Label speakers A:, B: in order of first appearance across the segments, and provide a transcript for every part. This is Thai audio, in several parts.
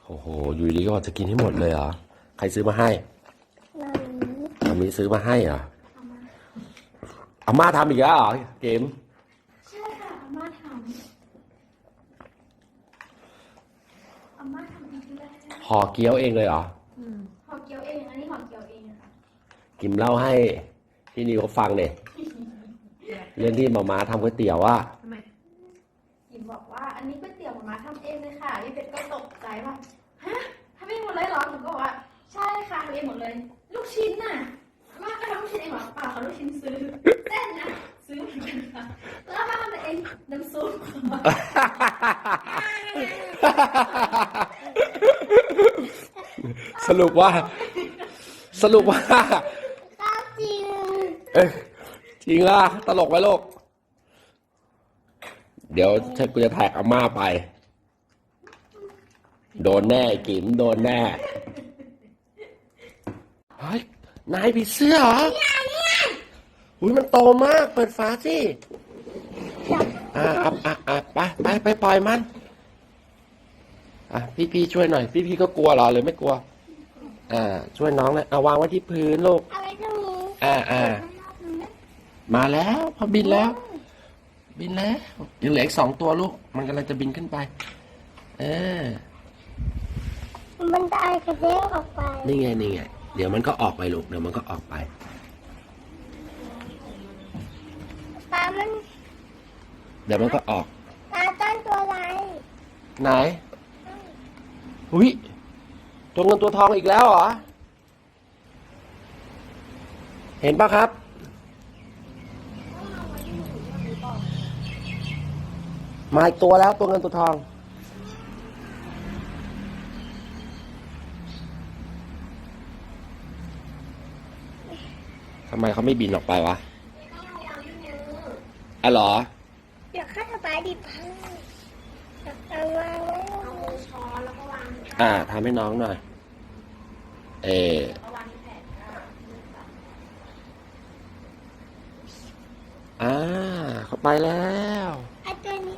A: โอ้โหอยู่ดีก็จะกินให้หมดเลยเหรอใครซื้อมาให้อามีซื้อมาให้เหรออาม่าทำอีกแล้วเหรอเกม
B: ใช่ค่ะอาม่าทำเองด้วย
A: ห่อเกี๊ยวเองเลยเหรอ
B: ห่อเกี๊ยวเองอันนี้ห่อเกี๊ยวเองค่ะ
A: กิมเล่าให้พี่นิวเขาฟังเนี่ยเรื่องที่หม่าทำก๋วยเตี๋ยวว่า
B: ทำไมกิมบอกว่าอันนี้ก๋วยเตี๋ยวหม่าทำเองเลยค่ะพี่เป็ดก็ตกใจว่าฮะทำเองหมดเลยเหรอหนูก็บอกว่าใช่ค่ะทำเองหมดเลยลูกชิ้นน่ะอาม่าก็ทำลูกชิ้นเองเหรอเปล่าค่ะลูกชิ้นซื้อเส้นน่ะซื้อเหมือนกันค่ะแล้วอาม่าทำเองน้ำซุป
A: สรุปว่าจริงจริงล่ะตลกไหมลูกเดี๋ยวกูจะแท็กอาม่าไปโดนแน่กิมโดนแน่เฮ้ยนายผีเสื้อเหรออุ้ยมันโตมากเปิดฝาสิไปปล่อยมันพี่ช่วยหน่อยพี่ก็กลัวเหรอหรือไม่กลัวช่วยน้องเลยเอาวางไว้ที่พื้นลูกมาแล้วพอบินแล้วยังเหลืออีก2 ตัวลูกมันกำลังจะบินขึ้นไป
C: มันได้กระเด้งออกไป
A: นี่ไงเดี๋ยวมันก็ออกไปลูกเดี๋ยวมันก็ออกไป
C: ปลามัน
A: เดี๋ยวมันก็ออก
C: ปลาต้นตัวอะไร
A: ไหนอุ้ยตัวเงินตัวทองอีกแล้วเหรอเห็นปะครับมาอีกตัวแล้วตัวเงินตัวทองทำไมเขาไม่บินออกไปวะเหรอ
C: เดี๋ยวข้าจะไปดิบพังเอาวางไว้เอาช้อนแล้วก็วาง
A: ทำให้น้องหน่อยเขาไปแล้ว
C: ไอ้ตัวนี้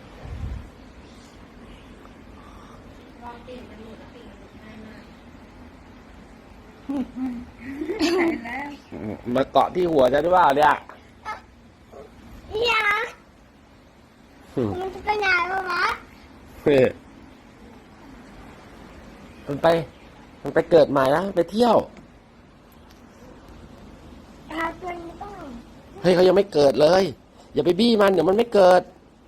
A: มาเกาะที่หัวจะได้ว่าเนี่ย
C: มันจะไปไหนวะ
A: มันไปเกิดใหม่นะไปเที่ยว
C: ตัวนี้ต้อง
A: เฮ้ยเขายังไม่เกิดเลยอย่าไปบี้มันเดี๋ยวมันไม่เกิด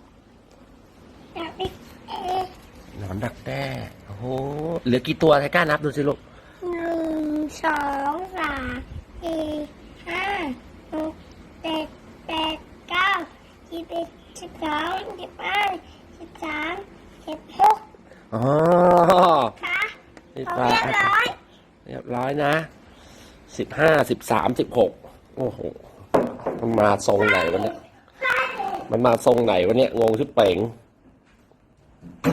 A: หนอนดักแด้โอ้โหเหลือกี่ตัวใครกล้านับดูสิลูก
C: 1 2 3 4 5 6 7 8 9 11 12 15 13 16
A: อ๋อ
C: เรียบร้
A: อยนะ15 13 16โอ้โหมันมาทรงไหนวะเนี่ยงงชิบเป๋ง